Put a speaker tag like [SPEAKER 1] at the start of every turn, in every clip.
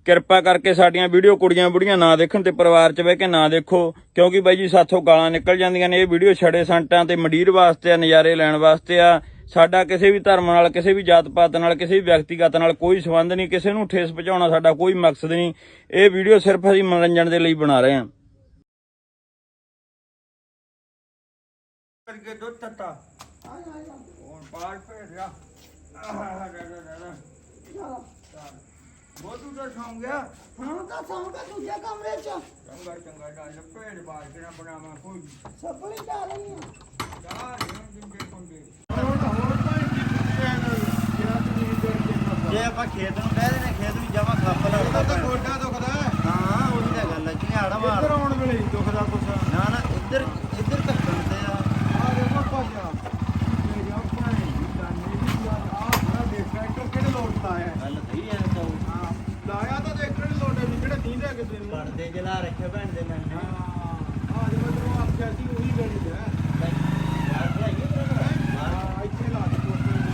[SPEAKER 1] ਕਿਰਪਾ ਕਰਕੇ ਸਾਡੀਆਂ ਵੀਡੀਓ ਕੁੜੀਆਂ ਬੁੜੀਆਂ ਨਾ ਦੇਖਣ ਤੇ ਪਰਿਵਾਰ 'ਚ ਬਹਿ ਕੇ ਨਾ ਦੇਖੋ, ਕਿਉਂਕਿ ਬਾਈ ਜੀ ਸਾਥੋਂ ਗਾਲਾਂ ਨਿਕਲ ਜਾਂਦੀਆਂ ਨੇ। ਇਹ ਵੀਡੀਓ ਛੜੇ ਸੰਟਾਂ ਤੇ ਮੰਡੀਰ ਵਾਸਤੇ ਆ, ਨਜ਼ਾਰੇ ਲੈਣ ਵਾਸਤੇ ਆ। ਸਾਡਾ ਕਿਸੇ ਵੀ ਧਰਮ ਨਾਲ, ਕਿਸੇ ਵੀ ਜਾਤ ਪਾਤ ਨਾਲ, ਕਿਸੇ ਵੀ ਵਿਅਕਤੀਗਤ ਨਾਲ ਕੋਈ ਸੰਬੰਧ ਨਹੀਂ। ਕਿਸੇ ਨੂੰ ਠੇਸ ਪਹੁੰਚਾਉਣਾ ਸਾਡਾ ਕੋਈ ਮਕਸਦ ਨਹੀਂ। ਇਹ ਵੀਡੀਓ ਸਿਰਫ ਅਸੀਂ ਮਨੋਰੰਜਨ ਦੇ ਲਈ ਬਣਾ ਰਹੇ ਹਾਂ। ਕਰਕੇ ਦੁੱਧ ਤੱਤਾ ਹੁਣ ਬਾਹਰ ਭੇਜਿਆ ਬਹੁਤ ਉਧਰ ਸੌਂ ਗਿਆ।
[SPEAKER 2] ਹਾਂ ਤਾਂ ਸੌਂ ਕੇ ਦੂਜੇ ਕਮਰੇ 'ਚ
[SPEAKER 1] ਚੰਗਾ ਚੰਗਾ ਡਾਲ ਭੇਜ ਬਾਹਰ ਕਿਹੜਾ ਬਣਾਵਾਂ ਕੋਈ
[SPEAKER 2] ਸੱਪਲੀ ਡਾਲ ਰਹੀ ਆ
[SPEAKER 1] ਚਾਰ ਦਿੰਦੇ ਪੰਗੇ।
[SPEAKER 3] ਜੇ ਆਪਾਂ ਖੇਤ ਨੂੰ ਕਹਿ ਦਿੰਦੇ ਖੇਤ ਵੀ ਜਮਾ ਖੱਪ ਲੱਗਦਾ
[SPEAKER 4] ਤਾਂ ਗੋਡਾ ਦੁਖਦਾ
[SPEAKER 3] ਹਾਂ ਉਹੀ ਤਾਂ ਗੱਲ ਹੈ ਝਾੜਾ ਮਾਰ
[SPEAKER 4] ਇੱਧਰ ਆਉਣ ਵੇਲੇ ਨਹੀਂ ਦੁਖਦਾ ਕੁਛ।
[SPEAKER 3] ਨਾ ਨਾ ਇੱਧਰ ਧੱਕਣ ਤੇ ਆ
[SPEAKER 4] ਆ ਦੇਖੋ ਭਾਈਆ ਮੇਰੇ ਆਪਣੇ ਜਾਨੇ ਦੀ ਯਾਰ ਆ ਬੜਾ ਦੇਖ ਟਰੈਕਟਰ ਕਿਹੜੇ ਲੋਟ ਲਾਇਆ
[SPEAKER 3] ਗੱਲ ਸਹੀ ਹੈ ਤਾਂ
[SPEAKER 4] ਹਾਂ ਲਾਇਆ ਤਾਂ ਦੇਖਣ ਲੋਟ ਨਹੀਂ ਕਿਹੜੇ ਨਹੀਂ ਲੈ ਕੇ ਦੇਣੀ
[SPEAKER 3] ਪਰਦੇ ਜਲਾ ਰੱਖੇ ਭੈਣ ਦੇ ਮੈਂ
[SPEAKER 4] ਹਾਂ ਆ ਜਦੋਂ ਤੈਨੂੰ ਆਖਿਆ ਸੀ ਉਹੀ ਲੈਣੀ ਹੈ।
[SPEAKER 3] ਯਾਰ ਭਾਈ
[SPEAKER 4] ਹਾਂ ਇੱਥੇ ਲਾ ਦੇ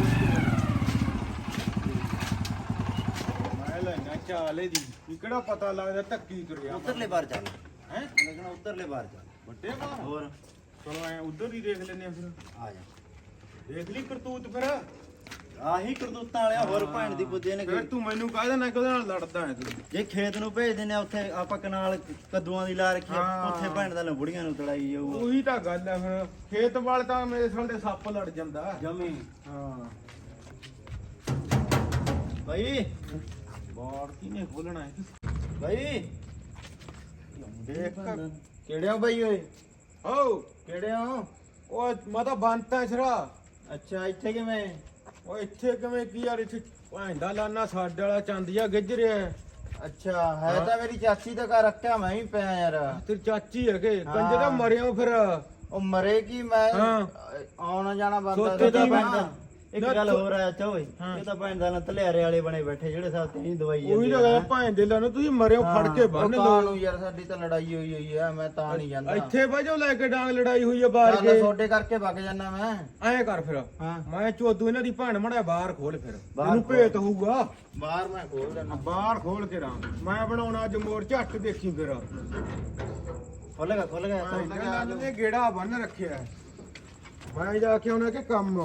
[SPEAKER 4] ਮੈਂ ਲੈਣਾ ਚਾਲੇ ਦੀ ਵੀ ਕਿਹੜਾ ਪਤਾ ਲੱਗਦਾ ਧੱਕੀ ਤੁਰਿਆ
[SPEAKER 3] ਉੱਧਰਲੇ ਬਾਹਰ ਚੱਲ
[SPEAKER 4] ਹੈ
[SPEAKER 3] ਲੇਕਿਨ ਉੱਧਰਲੇ ਬਾਹਰ ਚੱਲ
[SPEAKER 4] ਵੱਡੇ ਬਾਹਰ
[SPEAKER 3] ਹੋਰ
[SPEAKER 4] ਚਲੋ ਐ ਉਧਰ ਹੀ ਦੇਖ ਲੈਨੇ ਆ ਫਿਰ।
[SPEAKER 3] ਆ ਜਾ
[SPEAKER 4] ਦੇਖ ਲਈ ਕਰਤੂਤ ਫਿਰ।
[SPEAKER 3] ਆਹੀ ਕਰਤੂਤਾਂ ਵਾਲਿਆ ਹੋਰ ਭੈਣ ਦੀ ਪੁੱਜੇ ਨੇ
[SPEAKER 4] ਫਿਰ ਤੂੰ ਮੈਨੂੰ ਕਹਿ ਦੇਣਾ ਕਿ ਉਹਦੇ ਨਾਲ ਲੜਦਾ ਹੈ ਤੂੰ।
[SPEAKER 3] ਜੇ ਖੇਤ ਨੂੰ ਭੇਜ ਦਿੰਦੇ ਆ ਉੱਥੇ ਆਪਾਂ ਕਨਾਲ ਕੱਦੂਆਂ ਦੀ ਲਾ ਰੱਖੀ ਆ,
[SPEAKER 4] ਹਾਂ।
[SPEAKER 3] ਉੱਥੇ ਭੈਣ ਦਾ ਲੰਬੜੀਆਂ ਨੂੰ ਤੜਾਈ ਜਾਊਗਾ
[SPEAKER 4] ਉਹੀ ਤਾਂ ਗੱਲ ਹੈ ਫਿਰ ਖੇਤ ਵਾਲ ਤਾਂ ਮੇਰੇ ਸਾਲੇ ਸੱਪ ਲੜ ਜਾਂਦਾ।
[SPEAKER 3] ਜਮੀ
[SPEAKER 4] ਹਾਂ
[SPEAKER 3] ਭਾਈ
[SPEAKER 4] ਬਾੜ ਕਿਨੇ ਖੋਲਣਾ ਹੈ
[SPEAKER 3] ਭਾਈ
[SPEAKER 4] ਦੇਖ
[SPEAKER 3] ਕਿਹੜੇ ਹੋ ਭਾਈ ਓਏ
[SPEAKER 4] ਓ
[SPEAKER 3] ਕਿਹੜੇ ਹੋ
[SPEAKER 4] ਉਹ ਮੈਂ ਤਾਂ ਬੰਤਾ ਛਰਾ।
[SPEAKER 3] ਅੱਛਾ ਇੱਥੇ ਕਿਵੇਂ
[SPEAKER 4] ਉਹ ਇੱਥੇ ਕਿਵੇਂ ਕੀ ਯਾਰ ਇੱਥੇ ਭਾਂਡਾ ਲਾਨਾ ਸਾਡੇ ਵਾਲਾ ਚੰਦਿਆ ਗਿੱਜ ਰਿਹਾ ਹੈ।
[SPEAKER 3] ਅੱਛਾ ਹੈ ਤਾਂ ਮੇਰੀ ਚਾਚੀ ਦਾ ਘਰ ਰੱਖਿਆ ਮੈਂ ਵੀ ਪਿਆ ਯਾਰ
[SPEAKER 4] ਤੇਰੀ ਚਾਚੀ ਹੈਗੇ
[SPEAKER 3] ਹਾਂ।
[SPEAKER 4] ਕੰਜੇ ਦਾ ਮਰਿਆ ਫਿਰ।
[SPEAKER 3] ਉਹ ਮਰੇ ਕੀ ਮੈਂ
[SPEAKER 4] ਹਾਂ।
[SPEAKER 3] ਆਉਣਾ ਜਾਣਾ ਬੰਦਾ
[SPEAKER 4] ਸੋਤੇ ਦੀ
[SPEAKER 3] ਪੈਂਦਾ ਇੱਕ
[SPEAKER 4] ਨਾ
[SPEAKER 3] ਗੱਲ
[SPEAKER 4] ਤੂੰ-
[SPEAKER 3] ਹੋਰ ਆ ਅੱਛਾ ਓਏ
[SPEAKER 4] ਹਾਂ।
[SPEAKER 3] ਇਹ ਤਾਂ ਭੈਣ ਦਾ ਤਲਿਆਰੇ ਵਾਲੇ ਬਣੇ ਬੈਠੇ ਜਿਹੜੇ ਸਾਥ ਤੇਰੀ ਦਵਾਈ
[SPEAKER 4] ਉਹੀ ਤਾਂ
[SPEAKER 3] ਜਾਂਦੇ ਆ।
[SPEAKER 4] ਗੱਲ ਭਾਂਡੇ ਲਾনো ਤੁਸੀਂ ਮਰਿਓ ਫੜ ਕੇ ਬੰਨ
[SPEAKER 3] ਉਹ
[SPEAKER 4] ਲਓ।
[SPEAKER 3] ਨੂੰ ਯਾਰ ਸਾਡੀ ਤਾਂ ਲੜਾਈ ਹੋਈ ਆ ਮੈਂ ਤਾਂ ਨਹੀਂ ਜਾਂਦਾ
[SPEAKER 4] ਇੱਥੇ ਬਾਜੋ ਲੈ ਕੇ ਡਾਂਗ ਲੜਾਈ ਹੋਈ ਹੈ ਬਾਹਰ
[SPEAKER 3] ਚੱਲ
[SPEAKER 4] ਕੇ।
[SPEAKER 3] ਛੋਟੇ ਕਰਕੇ ਵਗ ਜਾਣਾ ਮੈਂ
[SPEAKER 4] ਐਂ ਕਰ ਫਿਰ
[SPEAKER 3] ਹਾਂ
[SPEAKER 4] ਮੈਂ ਚੋਦੂ ਇਹਨਾਂ ਦੀ ਭੈਣ ਮੜਾ ਬਾਹਰ ਖੋਲ ਫਿਰ
[SPEAKER 3] ਬਾਹਰ
[SPEAKER 4] ਇਹਨੂੰ
[SPEAKER 3] ਖੋਲ।
[SPEAKER 4] ਭੇਤ ਹੋਊਗਾ।
[SPEAKER 3] ਬਾਹਰ ਮੈਂ ਖੋਲ ਦੇਣਾ
[SPEAKER 4] ਬਾਹਰ ਖੋਲ ਕੇ ਰਾਂ ਮੈਂ ਬਣਾਉਣਾ ਅੱਜ ਮੋਰ ਝੱਟ ਦੇਖੀ ਫਿਰ।
[SPEAKER 3] ਖੋਲੇਗਾ ਖੋਲੇਗਾ
[SPEAKER 4] ਇਹਨਾਂ ਨੇ ਗੇੜਾ ਬੰਨ ਰੱਖਿਆ ਹੈ। ਮੈਂ ਜਾ ਕੇ ਉਹਨਾਂ ਕੇ ਕੰਮ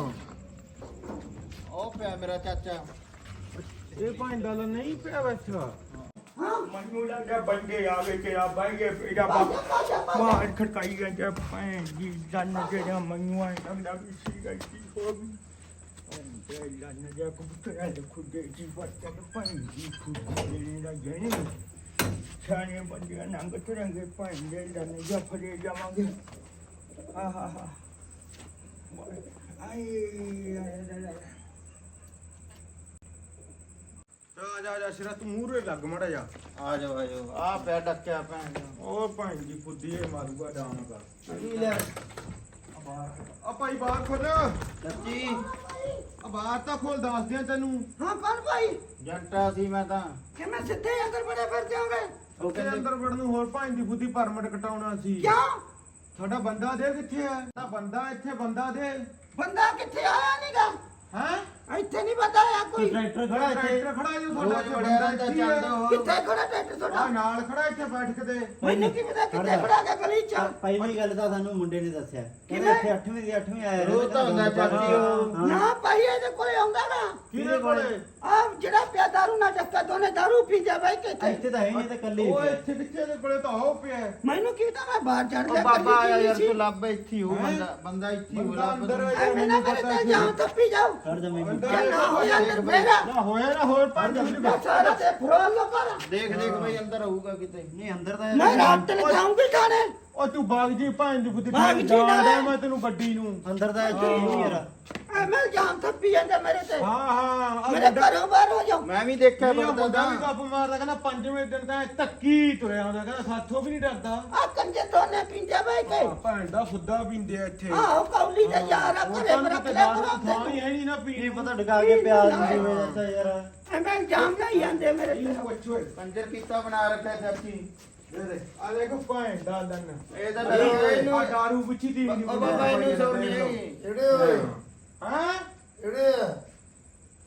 [SPEAKER 3] ਉਹ ਪਿਆ ਮੇਰਾ ਚਾਚਾ
[SPEAKER 4] ਇਹ ਭਾਂਡਾ ਲ ਨਹੀਂ ਪਿਆ ਬੈਠਾ। ਮੈਨੂੰ ਲੱਗਿਆ ਬੰਦੇ ਆ ਗਏ ਕਿ ਆ ਬਾਈਏ ਇਹਦਾ ਮਾਰ ਖੜਕਾਈ ਗਿਆ ਭੈਣ ਜੀ ਜਨ ਜਿਹੜਾ ਮੈਨੂੰ ਆ ਲੱਗਦਾ ਵੀ ਸੀ ਗਈ ਹੋ ਗਈ। ਉਹ ਜਨ ਜਿਹਾ ਕਬੂਤਰਾਂ ਦੇ ਖੁੱਡੇ ਜੀ ਬੱਚਾ ਭੈਣ ਜੀ ਖੁੱਡੇ ਦਾ ਜਣੇ ਛਾਣੇ ਬੰਦੇ ਨੰਗ ਤੁਰੰਗੇ ਭੈਣ ਦੇ ਜਨ ਜਿਹਾ ਫੜੇ ਜਾਵਾਂਗੇ। ਹਾ ਹਾ ਹਾ ਆਏ ਆ ਜਾ ਸਿਰਾ ਤੂੰ ਮੂਹਰੇ ਲੱਗ ਮੜਾ ਜਾ।
[SPEAKER 3] ਆ ਜਾਓ ਆ ਪਿਆ ਡੱਕਿਆ ਭੈਣ ਦਾ।
[SPEAKER 4] ਉਹ ਭੈਣ ਦੀ ਫੁੱਦੀ ਇਹ ਮਾਰੂਗਾ ਡਾਉਣ ਕਰ।
[SPEAKER 3] ਕੀ ਲੈ
[SPEAKER 4] ਆ ਭਾਈ ਬਾਹਰ ਖੋਲ।
[SPEAKER 3] ਚਾਚੀ
[SPEAKER 4] ਆ ਬਾਹਰ ਤਾਂ ਖੋਲ ਦੱਸ ਦਿਆਂ ਤੈਨੂੰ।
[SPEAKER 2] ਹਾਂ ਕੌਣ ਭਾਈ
[SPEAKER 3] ਜੱਟਾ ਸੀ ਮੈਂ ਤਾਂ
[SPEAKER 2] ਕਿ ਮੈਂ ਸਿੱਧੇ ਅੰਦਰ ਬੜੇ ਫਿਰ ਜਾਓਗੇ
[SPEAKER 4] ਉੱਥੇ ਅੰਦਰ ਵੜਨ ਨੂੰ ਹੋਰ ਭੈਣ ਦੀ ਫੁੱਦੀ ਪਰਮਿਟ ਕਟਾਉਣਾ ਸੀ।
[SPEAKER 2] ਕਿਉਂ
[SPEAKER 4] ਸਾਡਾ ਬੰਦਾ ਦੇ ਕਿੱਥੇ ਹੈ? ਤਾਂ ਬੰਦਾ ਇੱਥੇ ਬੰਦਾ ਦੇ
[SPEAKER 2] ਬੰਦਾ ਕਿੱਥੇ ਆਇਆ ਨਹੀਂਗਾ
[SPEAKER 4] ਹੈ।
[SPEAKER 2] ਇੱਥੇ ਨਹੀਂ ਬੰਦਾ ਆਇਆ ਕੋਈ
[SPEAKER 3] ਟਰੈਕਟਰ ਖੜਾ ਇੱਥੇ
[SPEAKER 4] ਟਰੈਕਟਰ ਖੜਾ ਜੋ ਸਾਡਾ
[SPEAKER 3] ਰੋਜ਼
[SPEAKER 4] ਇੱਥੇ
[SPEAKER 3] ਬੜਿਆ
[SPEAKER 4] ਬੰਦਾ
[SPEAKER 3] ਰਹਿੰਦਾ
[SPEAKER 4] ਇੱਥੇ ਹੀ
[SPEAKER 3] ਚੱਲਦਾ
[SPEAKER 4] ਹੈ।
[SPEAKER 3] ਹੋਰ
[SPEAKER 2] ਕਿੱਥੇ ਖੜਾ ਟਰੈਕਟਰ
[SPEAKER 4] ਆ
[SPEAKER 2] ਤੁਹਾਡਾ
[SPEAKER 4] ਨਾਲ ਖੜਾ ਇੱਥੇ ਬੈਠ ਕੇ ਤੇ
[SPEAKER 2] ਮੈਨੂੰ ਕੀ ਪਤਾ ਕਿੱਥੇ ਖੜਾ ਗਿਆ ਗਲੀ ਚ
[SPEAKER 3] ਪਹਿਲੀ ਗੱਲ ਤਾਂ ਸਾਨੂੰ ਮੁੰਡੇ ਨੇ ਦੱਸਿਆ ਕਹਿੰਦੇ
[SPEAKER 2] ਕਿਵੇਂ?
[SPEAKER 3] ਇੱਥੇ 8ਵੀਂ ਦੀ 8ਵੀਂ ਆਇਆ
[SPEAKER 4] ਉਹ ਤਾਂ ਹੁੰਦਾ ਚਾਚੀ ਉਹ।
[SPEAKER 2] ਨਾ ਭਾਈ ਇਹਦੇ ਕੋਲੇ ਆਉਂਦਾ ਨਾ
[SPEAKER 4] ਕਿਹਦੇ ਕੋਲੇ?
[SPEAKER 2] ਆ ਜਿਹੜਾ ਪਿਆ ਦਾਰੂ ਨਾ ਚੱਕਾ ਦੋਨੇ ਦਾਰੂ ਪੀ ਜਾ ਬਈ ਕਿੱਥੇ
[SPEAKER 3] ਇੱਥੇ ਤਾਂ ਹੈ ਨਹੀਂ ਤਾਂ ਕੱਲੇ ਹੀ
[SPEAKER 4] ਉਹ
[SPEAKER 3] ਪਿਆ।
[SPEAKER 4] ਇੱਥੇ ਕਿੱਥੇ ਦੇ ਕੋਲੇ ਤਾਂ ਆਉ ਪਿਆ ਹੈ।
[SPEAKER 2] ਮੈਨੂੰ ਕੀ ਪਤਾ ਮੈਂ ਬਾਹਰ ਚੜ
[SPEAKER 3] ਉਹ
[SPEAKER 2] ਗਿਆ
[SPEAKER 3] ਬਾਬਾ ਆਇਆ ਯਾਰ
[SPEAKER 2] ਸੀ।
[SPEAKER 3] ਤੂੰ ਲੱਭ ਇੱਥੇ ਹੀ ਹੋ
[SPEAKER 4] ਹੈਂ?
[SPEAKER 3] ਬੰਦਾ ਇੱਥੇ ਹੀ ਹੋ
[SPEAKER 4] ਬੰਦਾ
[SPEAKER 3] ਲੱਭ
[SPEAKER 4] ਅੰਦਰ
[SPEAKER 3] ਤੂੰ।
[SPEAKER 4] ਹੈ।
[SPEAKER 2] ਐਵੇਂ ਨਾ ਮੇਰੇ ਤੇ ਜਾਓ ਤੱਪੀ ਜਾਓ
[SPEAKER 3] ਖੜ ਜਾ ਮੈਨੂੰ
[SPEAKER 4] ਅੰਦਰ
[SPEAKER 2] ਨਾ ਹੋਇਆ ਅੰਦਰ ਫੇਰਾ
[SPEAKER 4] ਨਾ ਹੋਇਆ ਨਾ ਹੋਰ ਪੰਜ ਮਿੰਟ
[SPEAKER 2] ਸਾਰਾ ਤੇ ਫਰੋਲ ਲੋ ਕਰ
[SPEAKER 3] ਦੇਖ ਦੇਖ ਬਈ ਅੰਦਰ ਆਊਗਾ ਕਿਤੇ ਨਹੀਂ ਅੰਦਰ ਤਾਂ
[SPEAKER 2] ਮੈਂ ਰਾਤ ਤੇ ਲਗਾਉਂਗੀ ਥਾਣੇ
[SPEAKER 4] ਉਹ ਤੂੰ ਬਾਗ ਜੀ ਭੈਣ ਦੀ ਬੁੱਧੀ
[SPEAKER 2] ਬਾਗ ਜੀ
[SPEAKER 4] ਜਾਣਦਾ
[SPEAKER 2] ਨਾ।
[SPEAKER 4] ਮੈਂ ਤੈਨੂੰ ਗੱਡੀ ਨੂੰ।
[SPEAKER 3] ਅੰਦਰ ਤਾਂ ਇੱਥੇ ਹੀ ਨਹੀਂ ਯਾਰ
[SPEAKER 2] ਐਵੇਂ ਜਾਮ ਤੱਪੀ ਜਾਂਦਾ ਮੇਰੇ ਤੇ
[SPEAKER 4] ਹਾਂ ਹਾਂ ਆ
[SPEAKER 2] ਮੇਰੇ ਘਰੋਂ ਬਾਹਰ ਹੋ ਜਾਓ
[SPEAKER 3] ਮੈਂ ਵੀ ਦੇਖਿਆ
[SPEAKER 4] ਮੁੰਡਾ
[SPEAKER 3] ਬੰਦਾ
[SPEAKER 4] ਵੀ ਗੱਪ ਮਾਰਦਾ ਕਹਿੰਦਾ ਪੰਜਵੇਂ ਦਿਨ ਤਾਂ ਧੱਕੀ ਤੁਰਿਆ ਹੁੰਦਾ ਕਹਿੰਦਾ ਸਾਥੋਂ ਵੀ ਨਹੀਂ ਡਰਦਾ।
[SPEAKER 2] ਆ ਕੰਜੇ ਦੋਨੇ ਪਿੰਜੇ ਬਈ ਕੇ
[SPEAKER 4] ਆਹ ਭੈਣ ਦਾ ਫੁੱਦਾ ਪੀਂਦੇ ਆ ਇੱਥੇ।
[SPEAKER 2] ਆਹ ਕੌਲੀ ਦਾ ਯਾਰ ਆ
[SPEAKER 4] ਉਹ
[SPEAKER 2] ਘਰੇ
[SPEAKER 4] ਤਾਂ
[SPEAKER 2] ਰੱਖ
[SPEAKER 4] ਕਿਤੇ
[SPEAKER 2] ਲਿਆ
[SPEAKER 4] ਦਾਰੂ
[SPEAKER 2] ਕਰੋ
[SPEAKER 4] ਥਾਂ ਹੀ ਹੈ ਨਹੀਂ ਨਾ
[SPEAKER 3] ਕੀ
[SPEAKER 4] ਪੀਣ
[SPEAKER 3] ਪਤਾ ਡਗਾ ਕੇ ਪਿਆਜ਼ ਦੀ ਜਿਵੇਂ ਦੱਸਿਆ ਯਾਰ
[SPEAKER 2] ਐਵੇਂ ਜਾਮ ਨਹੀਂ ਜਾਂਦੇ ਮੇਰੇ ਤੇ
[SPEAKER 4] ਪੁੱਛੋ
[SPEAKER 3] ਕੰਜਰ ਕੀਤਾ ਬਣਾ ਰੱਖਿਆ ਚਾਚੀ
[SPEAKER 4] ਆ ਦੇਖੋ ਭੈਣ ਦਾ ਲੰਨ
[SPEAKER 3] ਇਹ ਤਾਂ
[SPEAKER 4] ਆ ਦਾਰੂ ਪੁੱਛੀ ਦੀ
[SPEAKER 3] ਉਹ ਬਾਬਾ ਇਹਨੂੰ ਸੌਣੀ ਜਿਹੜੇ ਓਏ
[SPEAKER 4] ਹਾਂ
[SPEAKER 3] ਜਿਹੜੇ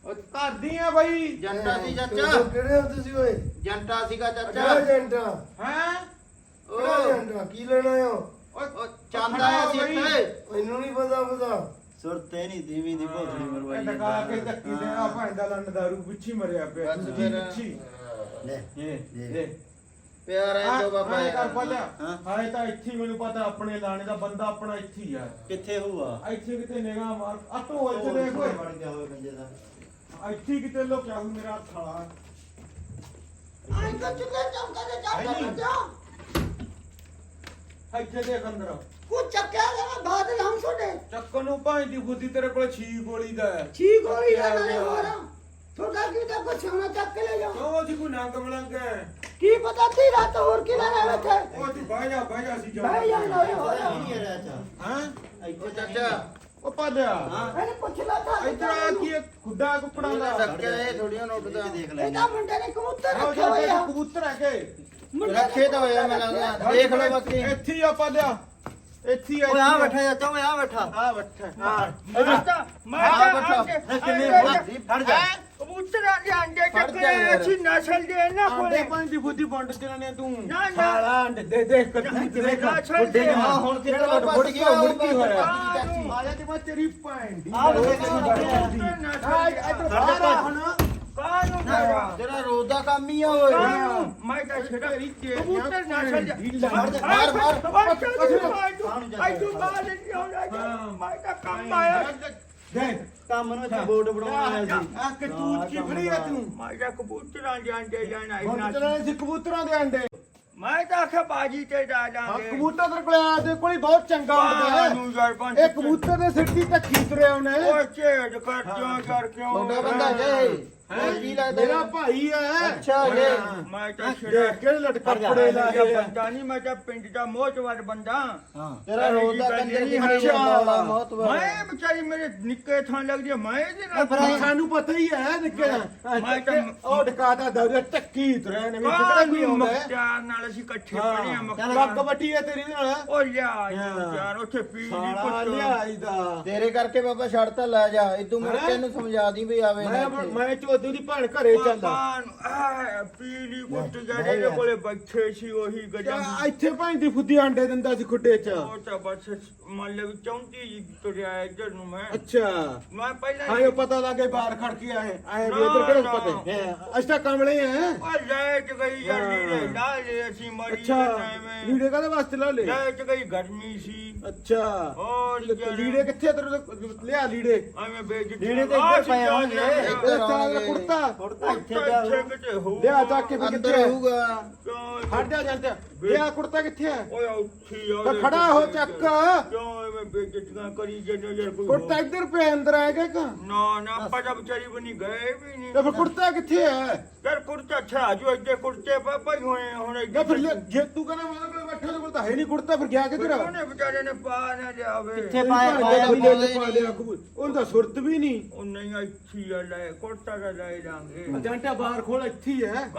[SPEAKER 4] ਉਹ ਕਰਦੀ ਆ ਬਾਈ
[SPEAKER 3] ਜੰਟਾ ਸੀ ਚਾਚਾ
[SPEAKER 5] ਕਿਹੜੇ ਹੋ ਤੁਸੀਂ ਓਏ
[SPEAKER 3] ਜੰਟਾ ਸੀਗਾ
[SPEAKER 5] ਕਿਹੜਾ
[SPEAKER 3] ਚਾਚਾ
[SPEAKER 5] ਏਜੰਟਾ
[SPEAKER 4] ਹੈ
[SPEAKER 5] ਕਿਹੜਾ ਏਜੰਟਾ ਕੀ ਲੈਣਾ ਆਇਓ
[SPEAKER 3] ਉਹ ਚਾਂਦਾ ਆ ਸੀ ਇੱਥੇ
[SPEAKER 5] ਮੈਨੂੰ ਨਹੀਂ ਪਤਾ
[SPEAKER 3] ਸੁਰਤੇ ਨਹੀਂ ਦੀਵੀ ਦੀ ਭੋਸੜੀ ਮਰਵਾਈ
[SPEAKER 4] ਟਕਾ ਕੇ ਧੱਕੀ ਦੇਣਾ ਭਾਂਦਾ ਲੰਨ ਦਾਰੂ ਪਿੱਛੇ ਮਰਿਆ ਪਿਆ
[SPEAKER 3] ਬਸ
[SPEAKER 4] ਦੂਜੀ
[SPEAKER 3] ਫਿਰ।
[SPEAKER 4] ਪਿੱਛੇ
[SPEAKER 3] ਲੈ
[SPEAKER 4] ਲੈ
[SPEAKER 3] ਪਿਆਰ ਹੈ ਜੋ ਬਾਬਾ
[SPEAKER 4] ਹਾਂ ਕਰ ਪਤਾ
[SPEAKER 3] ਹਾਂ
[SPEAKER 4] ਹਾਏ ਤਾਂ ਇੱਥੇ ਹੀ ਮੈਨੂੰ ਪਤਾ ਆਪਣੇ ਲਾਣੇ ਦਾ ਬੰਦਾ ਆਪਣਾ ਇੱਥੇ ਹੀ ਆ
[SPEAKER 3] ਕਿੱਥੇ ਹੋਊਗਾ
[SPEAKER 4] ਇੱਥੇ ਕਿਤੇ ਨਿਗਾਹ ਮਾਰ ਆਟੋ ਇੱਥੇ ਦੇਖ ਓਏ
[SPEAKER 3] ਵੜ ਗਿਆ ਹੋਵੇ ਕੰਜੇ ਦਾ
[SPEAKER 4] ਇੱਥੇ ਕਿਤੇ ਲੋਕਿਆ ਹੂੰ ਮੇਰਾ ਥਾਲਾ
[SPEAKER 2] ਆਈ ਤਾਂ ਚੁੱਕੇ ਚਮਕਦੇ
[SPEAKER 4] ਨਹੀਂ।
[SPEAKER 2] ਜਾ
[SPEAKER 4] ਇੱਥੇ ਦੇਖ ਅੰਦਰ
[SPEAKER 2] ਕੁਝ ਚੱਕਿਆ ਲੈ ਬਾਦ ਹਮ ਛੋੜੇ
[SPEAKER 4] ਚੱਕਰ ਨੂੰ ਭਾਈ ਦੀ ਬੁੱਧੀ ਤੇਰੇ ਕੋਲ 6 ਗੋਲੀ ਦਾ ਹੈ
[SPEAKER 2] ਛੀ ਗੋਲੀ ਦਾ ਨਾਲੇ ਹੋਰ ਤੁਹਾਡਾ ਕੀ ਤਾਂ ਕੁਛ ਹੋਣਾ ਚੱਕ ਕੇ ਲੈ ਜਾ
[SPEAKER 4] ਉਹ ਜੀ ਕੋਈ ਨੰਗ ਮਲੰਗ ਹੈ
[SPEAKER 2] ਕੀ ਪਤਾ ਤੀ ਰਾਤ ਹੋਰ ਕੀ ਲੈਣਾ ਬੈਠੇ
[SPEAKER 4] ਉਹ ਜੀ ਬਹਿ ਜਾ ਸੀ ਜਾ
[SPEAKER 2] ਬਹਿ ਜਾ ਨਾ ਹੋਰ
[SPEAKER 3] ਨਹੀਂ ਹੈ ਚਾਚਾ
[SPEAKER 4] ਹਾਂ
[SPEAKER 3] ਇੱਥੇ ਚਾਚਾ
[SPEAKER 4] ਉਹ ਪਾਲਿਆ
[SPEAKER 2] ਇਹਨੇ ਪੁੱਛ ਲਾ ਤਾਂ
[SPEAKER 4] ਇੱਧਰ ਆ ਕੀ ਇਹ ਖੁੱਡਾ ਕੁੱਪੜਾ ਦਾ
[SPEAKER 3] ਸੱਕਿਆ ਇਹ ਥੋੜੀਆਂ ਨੋਟ ਦਾ ਦੇਖ ਲੈ
[SPEAKER 2] ਇਹਦਾ ਮੁੰਡੇ ਨੇ ਕਬੂਤਰ
[SPEAKER 4] ਆਓ
[SPEAKER 2] ਰੱਖਿਆ ਹੋਇਆ
[SPEAKER 4] ਜਾ ਕਬੂਤਰ ਹੈ ਕੇ
[SPEAKER 3] ਰੱਖੇ ਤਾਂ ਹੋਇਆ ਮੈਂ ਲੱਗਦਾ ਦੇਖ ਲਓ ਬਾਕੀ
[SPEAKER 4] ਇੱਥੇ ਹੀ ਆ ਪਾਲਿਆ ਇੱਥੇ ਹੀ
[SPEAKER 3] ਓਏ ਆ ਬੈਠਾ ਚਾਚਾ ਓਏ ਆ ਬੈਠਾ
[SPEAKER 4] ਆ ਬੱਠਾ
[SPEAKER 2] ਮੈਂ
[SPEAKER 3] ਆ ਬੈਠਾ ਕਿੰਨੇ ਫੜ ਜਾ
[SPEAKER 2] ਕਬੂਤਰਾਂ ਦੇ ਅੰਡੇ
[SPEAKER 3] ਫੜ
[SPEAKER 2] ਚੱਕੇ
[SPEAKER 3] ਜਾ ਯਾਰ।
[SPEAKER 2] ਅੱਛੀ ਨਸਲ ਦੇ ਨਾ
[SPEAKER 4] ਆਂਡੇ
[SPEAKER 2] ਕੋਲੇ
[SPEAKER 4] ਪਾਣੀ ਦੀ ਬੁੱਧੀ ਵੰਡ ਦੇਣਾ ਨੇ ਤੂੰ
[SPEAKER 2] ਨਾ, ਨਾ।
[SPEAKER 4] ਸਾਲਾ ਅੰਡੇ ਦੇ ਦੇਖ ਕਤੂੰ ਦੇਖ
[SPEAKER 2] ਨਸਲ ਦੇ
[SPEAKER 3] ਹਾਂ ਹੁਣ ਕਿਹੜਾ ਲੋਟ ਫੁੱਟ ਗਿਆ
[SPEAKER 4] ਮੁੜ ਕੀ ਹੋਇਆ
[SPEAKER 3] ਚਾਚੀ
[SPEAKER 4] ਆ ਜਾ ਤੇ ਮੈਂ ਤੇਰੀ ਭੈਣ ਦੀ
[SPEAKER 3] ਆ ਦੇਖ
[SPEAKER 4] ਆ ਇੱਧਰ ਬਾਹਰ ਆ ਹੁਣ
[SPEAKER 2] ਕਾਹਨੂੰ ਕਰਾ
[SPEAKER 3] ਤੇਰਾ ਰੋਜ਼ ਦਾ ਕੰਮ ਹੀ ਆ ਓਏ
[SPEAKER 2] ਮੈਂ ਤਾਂ ਛੇੜਾ
[SPEAKER 4] ਤੇਰੀ ਤੇਰੀਆਂ
[SPEAKER 2] ਕਬੂਤਰ ਨਸਲ ਦੇ
[SPEAKER 3] ਮਾਰ ਮਾਰ
[SPEAKER 2] ਆਈ ਤੂੰ ਬਾਹਰ ਨਹੀਂ ਆਉਣਾ ਮੈਂ ਤਾਂ ਕੰਮ ਆਇਆ
[SPEAKER 4] ਦੇਖ
[SPEAKER 3] ਕੰਮ ਨੂੰ ਇੱਥੇ ਬੋਰਡ ਬਣਾਉਣਾ ਸੀ
[SPEAKER 4] ਆ ਕਤੂਤ ਕੀ ਫੜੀ ਆ ਤੂੰ
[SPEAKER 2] ਮੈਂ ਤਾਂ ਕਬੂਤਰਾਂ ਦੇ ਅੰਡੇ ਜਾਣਾ
[SPEAKER 4] ਹੁਣ ਚਲਾਣੇ ਸੀ ਕਬੂਤਰਾਂ ਦੇ ਅੰਡੇ
[SPEAKER 2] ਮੈਂ ਤਾਂ ਆਖਿਆ ਬਾਜੀ ਤੇ ਜਾ
[SPEAKER 4] ਹਾਂ
[SPEAKER 2] ਜਾਾਂਗੇ
[SPEAKER 4] ਕਬੂਤਰ ਤੇਰੇ ਕੋਲ ਆ ਦੇ ਕੋਲ ਬਹੁਤ ਚੰਗਾ ਹੁੰਦਾ ਹੈ ਇਹ ਕਬੂਤਰ ਦੇ ਸਿਰ ਦੀ ਧੱਕੀ ਤੁਰਿਆ ਉਹਨੇ
[SPEAKER 2] ਉਹ ਚੇੜ ਕਰ ਕਿਉਂ ਕਰ ਕਿਉਂ
[SPEAKER 3] ਮੁੰਡਾ ਬੰਦਾ ਜੇ ਹੋਰ ਕੀ ਲੱਗਦਾ
[SPEAKER 4] ਮੇਰਾ ਭਾਈ ਹੈ
[SPEAKER 3] ਅੱਛਾ ਜੇ
[SPEAKER 2] ਮੈਂ ਤਾਂ ਛੇੜਾ
[SPEAKER 4] ਦੇਖ ਕਿਹੜੇ ਲਟ ਕੱਪੜੇ ਲਾਏ ਆ
[SPEAKER 2] ਬੰਦਾ ਨਹੀਂ ਮੈਂ ਤਾਂ ਪਿੰਡ ਦਾ ਮੋਹਤਵਰ ਬੰਦਾ
[SPEAKER 3] ਹਾਂ ਤੇਰਾ ਰੋਜ਼ ਦਾ ਕੰਜਰ ਦੀ ਹਰੀ
[SPEAKER 4] ਅੱਛਾ।
[SPEAKER 3] ਵਾਲਾ ਬਹੁਤ
[SPEAKER 2] ਮੈਂ ਵਿਚਾਰੀ ਮੇਰੇ ਨਿੱਕੇ ਥਾਂ ਲੱਗਦੀ ਆ, ਮੈਂ ਇਹਦੇ ਨਾਲ
[SPEAKER 3] ਫਿਰ
[SPEAKER 4] ਸਾਨੂੰ ਪਤਾ ਹੀ ਹੈ ਨਿੱਕੇ
[SPEAKER 2] ਮੈਂ ਤਾਂ
[SPEAKER 4] ਉਹ ਡਕਾਤਾ ਦੌਰੇ ਟੱਕੀ ਤੁਰਿਆ ਨੇ ਵਿੱਚ ਕਿਹੜਾ
[SPEAKER 2] ਕਾਹਨੂੰ
[SPEAKER 4] ਕੋਈ ਆਉਂਦਾ ਹੈ
[SPEAKER 2] ਮੁਖਤਿਆਰ ਨਾਲ ਅਸੀਂ ਇਕੱਠੇ
[SPEAKER 4] ਹਾਂ
[SPEAKER 2] ਪੜ੍ਹੇ ਆ
[SPEAKER 4] ਚੱਲ
[SPEAKER 2] ਮੁਖਤਿਆਰ
[SPEAKER 4] ਰੱਗ ਵੱਟੀ ਹੈ ਤੇਰੀ ਨਾਲ
[SPEAKER 2] ਉਹ ਲਿਆ
[SPEAKER 4] ਹਾਂ।
[SPEAKER 2] ਯਾਰ ਉੱਥੇ ਪੀ ਦੀ
[SPEAKER 4] ਸਾਲਾ
[SPEAKER 2] ਪੁੱਤ
[SPEAKER 4] ਲਿਆਈ ਦਾ
[SPEAKER 3] ਤੇਰੇ ਕਰਕੇ ਬਾਬਾ ਛੱਡਤਾ ਲੈ ਜਾ ਇਦੋਂ ਮੁੜ ਕੇ ਇਹਨੂੰ ਸਮਝਾ ਦੀ ਵੀ ਆਵੇ ਨਾ
[SPEAKER 4] ਮੈਂ ਚੋਦੂ ਦੀ ਭੈਣ ਘਰੇ ਚੱਲਦਾ
[SPEAKER 2] ਪੀਲੀ ਕੁੱਟ ਜਿਹੜੇ ਦੇ ਕੋਲੇ ਬੱਚੇ ਸੀ ਉਹੀ ਗਜਮ
[SPEAKER 4] ਇੱਥੇ ਭਾਈ ਦੀ ਫੁੱਦੀ ਆਂਡੇ ਦਿੰਦਾ ਸੀ ਖੁੱਡੇ 'ਚ
[SPEAKER 2] ਉਹ ਤਾਂ ਬਸ ਮੰਨ ਲਓ ਵੀ 34 ਜੀ ਤੁਰਿਆ ਇੱਧਰ ਨੂੰ ਮੈਂ
[SPEAKER 4] ਅੱਛਾ
[SPEAKER 2] ਮੈਂ ਪਹਿਲਾਂ
[SPEAKER 4] ਹਾਂ ਇਹ ਪਤਾ ਲੱਗੇ ਬਾਹਰ ਖੜ ਕੇ ਆਏ ਆਏ ਵੀ ਇਧਰ ਕਿਹੜਾ ਪਤਾ ਹੈ ਅਸ਼ਟਾ ਕਮਲੇ ਹੈ
[SPEAKER 2] ਉਹ ਲੈ ਚ ਗਈ ਯਾਰ ਲੀੜੇ ਲਾ ਲਏ ਅਸੀਂ ਮਰੀ
[SPEAKER 4] ਅੱਛਾ
[SPEAKER 2] ਟਾਈਮ
[SPEAKER 4] ਲੀੜੇ ਕਾਹਦੇ ਵਾਸਤੇ ਲਾ ਲੇ
[SPEAKER 2] ਲੈ ਚ ਗਈ ਗਰਮੀ ਸੀ
[SPEAKER 4] ਅੱਛਾ
[SPEAKER 2] ਹੋਰ
[SPEAKER 4] ਲੀੜੇ ਕਿੱਥੇ ਆ ਤੇਰੇ ਲਿਆ ਲੀੜੇ
[SPEAKER 2] ਐਵੇਂ ਬੇਇੱਜ਼ਤੀ
[SPEAKER 3] ਲੀੜੇ ਤਾਂ ਇੱਧਰ ਪਏ ਹੋਣਗੇ
[SPEAKER 4] ਇੱਧਰ ਆਉਣਗੇ। ਕੁੜਤਾ
[SPEAKER 3] ਇੱਥੇ ਜਾ
[SPEAKER 2] ਕਿਤੇ ਹੋ
[SPEAKER 4] ਲਿਆ ਚੱਕ ਕੇ ਫਿਰ
[SPEAKER 3] ਅੰਦਰ
[SPEAKER 4] ਕਿੱਥੇ ਹੈ?
[SPEAKER 3] ਹੋਊਗਾ
[SPEAKER 4] ਹਟ ਜਾ ਜਾਂਦੇ ਲਿਆ ਕੁੜਤਾ ਕਿੱਥੇ ਹੈ
[SPEAKER 2] ਓਏ ਉੱਠੀ ਆ
[SPEAKER 4] ਤਾਂ ਖੜਾ ਹੋ ਚੱਕ
[SPEAKER 2] ਕਿਉਂ ਐਵੇਂ ਬੇਇੱਜ਼ਤੀਆਂ ਕਰੀ ਜਾਂਦੇ ਯਾਰ ਕੋਈ
[SPEAKER 4] ਕੁੜਤਾ ਇੱਧਰ ਪਿਆ ਅੰਦਰ ਆਏਗਾ ਕਿ
[SPEAKER 2] ਨਾ ਨਾ ਆਪਾਂ ਤਾਂ ਵਿਚਾਰੀ ਬਣੀ ਗਏ ਵੀ ਨਹੀਂ
[SPEAKER 4] ਤੇ ਫਿਰ ਕੁੜਤਾ ਕਿੱਥੇ ਹੈ
[SPEAKER 2] ਯਾਰ ਕੁੜਤਾ ਛਾ ਜੋ ਇੱਥੇ ਕੁੜਤੇ ਪਾਪਾ ਹੀ ਹੋਏ ਆ, ਹੁਣ
[SPEAKER 4] ਨਾ ਫਿਰ ਜੇ ਤੂੰ ਕਹਿੰਦਾ ਮੇਰੇ ਕੋਲ ਬੈਠਾ ਕੋਲ ਤਾਂ ਹੈ ਨਹੀਂ ਕੁੜਤਾ ਫਿਰ ਗਿਆ ਕਿੱਧਰ
[SPEAKER 2] ਉਹਨੇ ਵਿਚਾਰੇ ਨੇ ਪਾ ਨਾ ਲਿਆਵੇ
[SPEAKER 3] ਕਿੱਥੇ ਪਾਇਆ
[SPEAKER 4] ਵੀ ਲੈ ਪਾ ਲਿਆ ਕਬੂਲ ਉਹਦਾ ਸੁਰਤ ਵੀ ਨਹੀਂ
[SPEAKER 2] ਉਹ ਨਹੀਂ ਅੱਛੀ ਆ ਲੈ ਕੁੜਤਾ ਦਾ ਲੈ ਜਾਾਂਗੇ
[SPEAKER 4] ਜੰਟਾ ਬਾਹਰ ਖੋਲ ਇੱਥੇ ਹੀ ਹੈ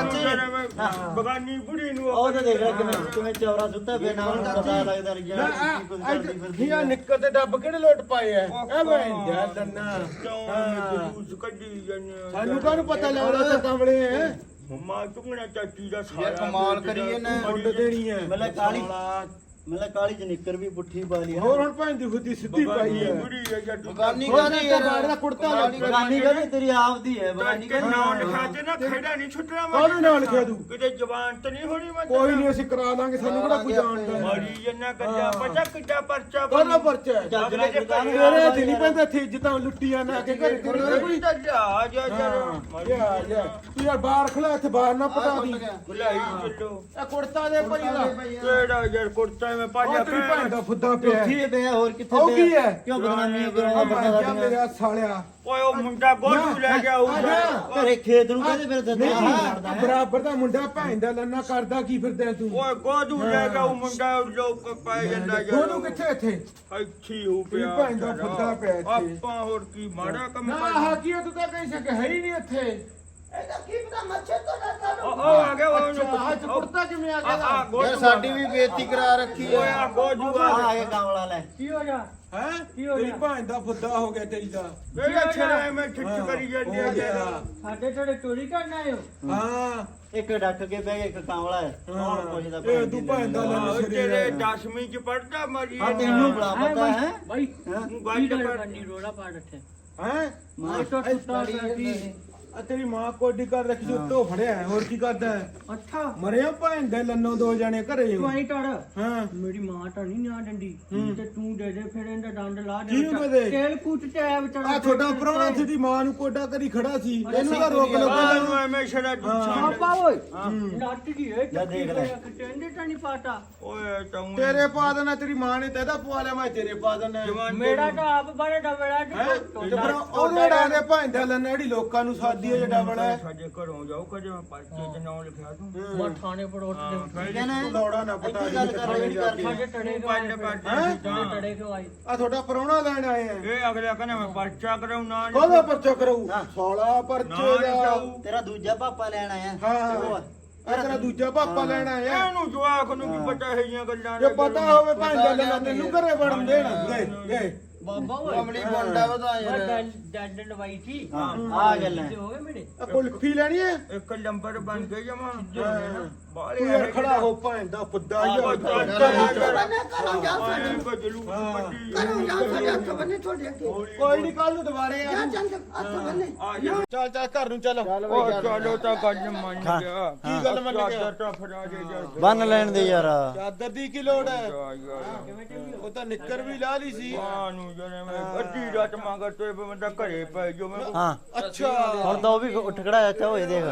[SPEAKER 2] ਬਗਾਨੀ ਬੁੜੀ ਨੂੰ
[SPEAKER 3] ਉਹ ਤਾਂ ਦੇਖ ਲੈ ਕਿਵੇਂ ਚੌਰਾ ਸੁੱਤਾ ਪਿਆ ਨਾਲ ਨੂੰ ਪਤਾ ਲੱਗਦਾ ਨਹੀਂ
[SPEAKER 4] ਨਾ ਆ ਨਿੱਕਰ ਤੇ ਡੱਬ ਕਿਹੜੇ ਲੋਟ ਪਾਏ ਐ ਐ ਮੈਂ ਦੰਨਾ
[SPEAKER 2] ਜੂਸ ਕੱਢੀ ਜਾਂਦੇ
[SPEAKER 4] ਸਾਨੂੰ ਕਾਹਨੂੰ ਪਤਾ ਲੱਗਦਾ ਤੇ ਕਮਲੇ ਐ
[SPEAKER 2] ਮੰਮਾ ਚੁੰਗਣਾ ਚਾਚੀ ਦਾ ਸਾਰਾ
[SPEAKER 3] ਯਾਰ ਕਮਾਲ ਕਰੀਏ ਨਾ
[SPEAKER 4] ਮੁੰਡ ਦੇਣੀ ਐ
[SPEAKER 3] ਮਤਲਬ ਕਾਲੀ ਚ ਨਿੱਕਰ ਵੀ ਪੁੱਠੀ ਪਾ ਲਈ
[SPEAKER 4] ਹੋਰ ਹੁਣ ਭੈਣ ਦੀ ਖੁੱਦੀ ਸਿੱਧੀ ਪਾਈ ਐ
[SPEAKER 2] ਬੁੜੀ ਆ ਜਾਂ
[SPEAKER 3] ਬਗਾਨੀ
[SPEAKER 4] ਹੋਰ
[SPEAKER 3] ਕਾਹਦੀ ਯਾਰ
[SPEAKER 4] ਬਾਹਰ ਦਾ ਕੁੜਤਾ
[SPEAKER 3] ਬਗਾਨੀ ਕਾਹਦੀ ਤੇਰੀ ਆਪਦੀ ਹੈ ਬਗਾਨੀ
[SPEAKER 2] ਕਿ
[SPEAKER 3] ਕਾਹਦੀ
[SPEAKER 2] ਨਾਮ ਲਿਖਾ ਤੇ ਨਾ ਖੇੜਾ ਨਹੀਂ ਛੁੱਟਣਾ
[SPEAKER 4] ਕਾਹਨੂੰ ਨਾਲ ਲਿਖਿਆ ਤੂੰ
[SPEAKER 2] ਕਿਤੇ ਜ਼ਬਾਨ ਤੇ ਨਹੀਂ ਹੋਣੀ ਮੈਂ
[SPEAKER 4] ਕੋਈ ਨਹੀਂ ਅਸੀਂ ਕਰਾ ਦਾਂਗੇ ਸਾਨੂੰ ਕਿਹੜਾ ਕੋਈ ਜਾਣਦਾ
[SPEAKER 2] ਮਾਰੀ ਜੰਨਾ ਕੱਜਾ ਪਚਾ ਕਿੱਡਾ ਪਰਚਾ
[SPEAKER 4] ਕਾਹਦਾ ਪਰਚਾ ਹੈ?
[SPEAKER 3] ਚੱਜ ਨਾਲ ਕਿਰਦਾਰ
[SPEAKER 4] ਤੇਰੇ ਤੇ ਨਹੀਂ ਪੈਂਦਾ ਇੱਥੇ ਜਿੱਦਾਂ ਲੁੱਟੀਆਂ ਨਾ ਕੇ ਘਰੇ ਤੇਰੇ ਕੋਈ
[SPEAKER 2] ਤਾਂ ਜਾ ਜਾ
[SPEAKER 4] ਯਾ ਯਾ ਤੂੰ ਯਾਰ ਬਾਹਰ ਖੜਾ ਇੱਥੇ ਬਾਹਰ ਨਾ ਪਟਾ ਦੀ
[SPEAKER 2] ਬੁਲਾਈ ਚੱਲੋ
[SPEAKER 4] ਇਹ ਕੁੜਤਾ ਦੇ ਭਾਈ ਦਾ
[SPEAKER 2] ਕਿਹੜਾ ਯਾਰ ਕੁੜਤਾ ਮੈਂ ਪਾ
[SPEAKER 4] ਉਹ ਤੇਰੀ ਭੈਣ ਦਾ ਫੁੱਦਾ ਪਿਆ
[SPEAKER 3] ਉੱਠੀ ਪਿਆ ਹੋਰ ਕਿੱਥੇ
[SPEAKER 4] ਉਹ ਕੀ ਹੈ
[SPEAKER 3] ਕਿਉਂ ਬਦਨਾਮੀਆਂ ਕਰਾਉਂਦਾ ਬੰਦਾ
[SPEAKER 4] ਕਿਆ
[SPEAKER 3] ਸਾਡੀਆਂ
[SPEAKER 4] ਮੇਰਾ ਸਾਲਿਆ
[SPEAKER 2] ਓਏ ਉਹ ਮੁੰਡਾ ਗੋਲੂ ਲੈ ਗਿਆ ਉਹ
[SPEAKER 3] ਘਰੇ ਖੇਤ ਨੂੰ ਕਹਿੰਦੇ ਮੇਰੇ ਦੱਦਾ
[SPEAKER 4] ਨਹੀਂ ਬਰਾਬਰ ਦਾ ਮੁੰਡਾ ਭੈਣ ਦਾ ਲੰਨਾ ਕਰਦਾ ਕੀ ਫਿਰਦਾ ਤੂੰ
[SPEAKER 2] ਓਏ ਗੋਦੂ ਲੈ ਗਿਆ ਉਹ ਮੁੰਡਾ ਲੋਕ ਪਾਏ ਜਾਂਦਾ ਯਾਰ
[SPEAKER 4] ਉਹਨੂੰ ਕਿੱਥੇ ਇੱਥੇ
[SPEAKER 2] ਇੱਥੇ ਹੋ ਪਿਆ
[SPEAKER 4] ਤੇਰੀ ਭੈਣ ਦਾ ਫੁੱਦਾ ਪਿਆ ਇੱਥੇ।
[SPEAKER 2] ਆਪਾਂ ਹੋਰ ਕੀ ਮਾੜਾ ਕੰਮ
[SPEAKER 4] ਨਾ
[SPEAKER 2] ਕਰ
[SPEAKER 4] ਆਹ ਕੀ ਹੈ, ਤੂੰ ਤਾਂ ਕਹੀਂ ਸਕੇ ਹੈ ਹੀ ਨਹੀਂ ਇੱਥੇ
[SPEAKER 2] ਇਹਦਾ ਕੀ ਪਤਾ ਮੱਛਰ ਤੋਂ ਨਾ ਉਹ ਆ ਗਿਆ ਉਹ
[SPEAKER 4] ਆਹ ਚ ਕੁੜਤਾ ਕਿਵੇਂ ਆ
[SPEAKER 2] ਆ
[SPEAKER 4] ਗਿਆ
[SPEAKER 3] ਯਾਰ ਸਾਡੀ ਵੀ ਬੇਇੱਜ਼ਤੀ ਕਰਾ ਰੱਖੀ
[SPEAKER 2] ਓਏ ਆ ਗੋਜੂ
[SPEAKER 3] ਆ
[SPEAKER 2] ਆ
[SPEAKER 3] ਗਿਆ ਕਾਮਲਾ ਲੈ
[SPEAKER 4] ਕੀ ਹੋ ਗਿਆ ਹੈ
[SPEAKER 2] ਕੀ ਹੋ
[SPEAKER 4] ਤੇਰੀ
[SPEAKER 2] ਗਿਆ?
[SPEAKER 4] ਭੈਣ ਦਾ ਫੁੱਦਾ ਹੋ ਗਿਆ ਤੇਰੀ ਦਾ
[SPEAKER 2] ਮੇਰਾ ਛੜਾ ਮੈਂ ਠਿੱਠ ਕਰੀ ਜਾਂਦੀ ਆ
[SPEAKER 4] ਹੋ ਗਿਆ।
[SPEAKER 2] ਤੇਰਾ।
[SPEAKER 6] ਸਾਡੇ ਥੋੜੇ ਚੋਰੀ ਕਰਨ ਆਏ ਹੋ
[SPEAKER 4] ਹਾਂ
[SPEAKER 3] ਇੱਕ ਡੱਕ ਕੇ ਬਹਿ ਗਿਆ ਇੱਕ ਕਾਂਵਲਾ ਹੈ ਕੌਣ ਪੁੱਛਦਾ
[SPEAKER 4] ਇਹ ਤੂੰ ਭੈਣ ਦਾ
[SPEAKER 2] ਆਹੋ,
[SPEAKER 4] ਲੰਨ
[SPEAKER 2] ਤੇਰੇ 10ਵੀਂ ਚ ਪੜਦਾ ਮਰੀ
[SPEAKER 3] ਹਾਂ ਤੈਨੂੰ ਬੜਾ ਪਤਾ ਹੈ
[SPEAKER 6] ਬਾਈ
[SPEAKER 2] ਤੂੰ
[SPEAKER 6] ਕੀ
[SPEAKER 2] ਗੱਲ
[SPEAKER 6] ਗੱਲ
[SPEAKER 2] ਕਰ
[SPEAKER 6] ਕਰਨੀ ਰੋਲਾ ਪਾ ਰੱਖਿਆ
[SPEAKER 4] ਹੈ
[SPEAKER 6] ਮਾਈ ਤੋਂ ਟੁੱਟਾ ਸੀ
[SPEAKER 4] ਆ ਤੇਰੀ ਮਾਂ ਕੋਡੀ ਕਰ ਰੱਖੀ ਸੀ ਉੱਤੋਂ ਫੜਿਆ ਹੈ, ਹੋਰ ਕੀ ਕਰਦਾ ਹੈ?
[SPEAKER 6] ਅੱਛਾ
[SPEAKER 4] ਮਰਿਆ ਭੈਣ ਦੇ ਲੰਨੋਂ ਦੋ ਜਣੇ ਘਰੇ
[SPEAKER 6] ਤੂੰ ਆਈ ਟੜ
[SPEAKER 4] ਹਾਂ
[SPEAKER 6] ਮੇਰੀ ਮਾਂ ਤਾਂ ਨਹੀਂ ਨਾ ਡੰਡੀ ਤੇ ਤੂੰ ਦੇ ਦੇ ਫਿਰ ਇਹਦਾ ਡੰਡ ਲਾ ਦੇ
[SPEAKER 4] ਕਿਹਨੂੰ
[SPEAKER 6] ਵਿਚਾਰਾ।
[SPEAKER 4] ਦੇ?
[SPEAKER 6] ਤੇਲ ਕੁੱਟ ਤੇ ਆਇਆ ਵਿਚਾਰਾ
[SPEAKER 4] ਆ ਤੁਹਾਡਾ ਪ੍ਰਾਹੁਣਾ ਸੀ ਦੀ ਮਾਂ ਨੂੰ ਕੋਡਾ ਕਰੀ ਖੜਾ ਸੀ ਇਹਨੂੰ ਤਾਂ ਰੋਕ ਲੋ
[SPEAKER 2] ਨੂੰ ਐਵੇਂ ਛੜਾ ਦੁੱਛਾਂ
[SPEAKER 6] ਪਾਪਾ ਓਏ ਨੱਟ ਦੀ ਇਹ
[SPEAKER 3] ਜਾ ਦੇਖ ਲੈ।
[SPEAKER 6] ਕਹਿੰਦੇ ਤਾਂ ਨਹੀਂ ਪਾਤਾ
[SPEAKER 2] ਓਏ ਤੂੰ
[SPEAKER 4] ਤੇਰੇ ਪਾ ਦੇਣਾ ਤੇਰੀ ਮਾਂ ਨੇ ਤੇਦਾ ਪਵਾ ਲਿਆ ਮੈਂ ਤੇਰੇ ਪਾ ਦੇਣਾ
[SPEAKER 6] ਮੇਰਾ ਤਾਂ ਆਪ ਬੜਾ ਡਬੜਾ
[SPEAKER 4] ਹੈ ਤੇ ਫਿਰ ਉਹਦੇ ਡਾਂਗੇ ਭੈਣ ਦੇ ਲੰਨ ਜਿਹੜੀ ਲੋਕਾਂ ਨੂੰ ਸਾਦੀ ਹੈ ਜਿਹੜਾ ਬਣਾ
[SPEAKER 2] ਸਾਡੇ ਘਰੋਂ ਜਾਓ ਕਦੇ ਮੈਂ ਪਰਚੇ ਚ ਨਾਮ ਲਿਖਿਆ ਤੂੰ
[SPEAKER 6] ਮੈਂ ਥਾਣੇ ਪੜੋਟ ਦੇ
[SPEAKER 3] ਕਹਿੰਦਾ
[SPEAKER 4] ਤੂੰ ਦੌੜਾ ਨਾ ਪਤਾ
[SPEAKER 3] ਇੱਥੇ ਗੱਲ ਕਰ ਰਹੀ ਕਰਦੀ
[SPEAKER 6] ਸਾਡੇ ਟੜੇ ਕੋ ਆਏ ਸਾਡੇ ਟੜੇ ਕੋ ਆਏ
[SPEAKER 4] ਆ ਤੁਹਾਡਾ ਪ੍ਰਾਹੁਣਾ ਲੈਣ ਆਏ ਆ
[SPEAKER 2] ਇਹ ਅਗਲਾ ਕਹਿੰਦਾ ਮੈਂ ਪਰਚਾ ਕਰਾਉ ਨਾ
[SPEAKER 4] ਕੋਹਦਾ ਪਰਚਾ ਕਰਾਉ ਸਾਲਾ ਪਰਚੇ ਦਾ
[SPEAKER 3] ਤੇਰਾ ਦੂਜਾ ਪਾਪਾ ਲੈਣ ਆਇਆ
[SPEAKER 4] ਹਾਂ
[SPEAKER 3] ਉਹ
[SPEAKER 4] ਆ ਤੇਰਾ ਦੂਜਾ ਪਾਪਾ ਲੈਣ ਆਇਆ
[SPEAKER 2] ਇਹਨੂੰ ਜਵਾਕ ਨੂੰ ਕੀ ਪਤਾ ਹੈ ਜੀਆਂ ਗੱਲਾਂ
[SPEAKER 4] ਜੇ ਪਤਾ ਹੋਵੇ ਭੈਣ ਦੇ ਲੰਨ ਤੈਨੂੰ ਘਰੇ ਵੜਨ ਦੇਣ ਗਏ
[SPEAKER 6] ਬਾਬਾ ਓਏ
[SPEAKER 3] ਕਮਲੀ ਬੰਦਾ ਵਧਾ
[SPEAKER 6] ਮੈਂ ਡੰਡ ਲਵਾਈ ਸੀ
[SPEAKER 3] ਹਾਂ ਆ ਗੱਲਾਂ
[SPEAKER 6] ਤੇ ਹੋਵੇ ਮੇਰੇ
[SPEAKER 4] ਆ ਕੁਲਫੀ ਲੈਣੀ ਹੈ
[SPEAKER 2] ਇੱਕ ਨੰਬਰ ਬਣ ਗਈ ਜਮਾ
[SPEAKER 4] ਤੂੰ
[SPEAKER 2] ਬਾਲੇ
[SPEAKER 4] ਯਾਰ ਖੜਾ ਹੋ ਭੈਣ ਦਾ ਫੁੱਦਾ ਯਾਰ ਕੋਈ ਨਹੀਂ ਕੱਲ ਨੂੰ ਦੁਬਾਰੇ ਆ ਚੱਲ ਚੱਲ ਘਰ ਨੂੰ ਚੱਲ
[SPEAKER 2] ਚਲੋ ਤਾਂ ਗੱਲ ਮੰਨ ਗਿਆ
[SPEAKER 4] ਕੀ ਗੱਲ ਮੰਨ ਗਿਆ?
[SPEAKER 2] ਚਾਦਰ ਤਾਂ ਫੜਾ ਦੇ ਯਾਰ
[SPEAKER 3] ਬੰਨ ਲੈਣ ਦੇ ਯਾਰ
[SPEAKER 4] ਚਾਦਰ ਦੀ ਕੀ ਲੋੜ ਹੈ
[SPEAKER 2] ਯਾਰ
[SPEAKER 4] ਉਹ ਤਾਂ ਨਿੱਕਰ ਵੀ ਲਾ ਲਈ ਸੀ
[SPEAKER 2] ਨੂੰ ਜਨੇ ਮੈਂ ਅੱਧੀ ਰਾਤ ਮੰਗਰ ਤੇ ਬੰਦਾ ਘਰੇ ਪੈ ਜੋ ਮੈਂ
[SPEAKER 3] ਹਾਂ
[SPEAKER 4] ਅੱਛਾ
[SPEAKER 3] ਹੁਣ ਤਾਂ ਉਹ ਵੀ ਉੱਠ ਖੜਾ ਅੱਛਾ ਹੋਏ ਦੇਖ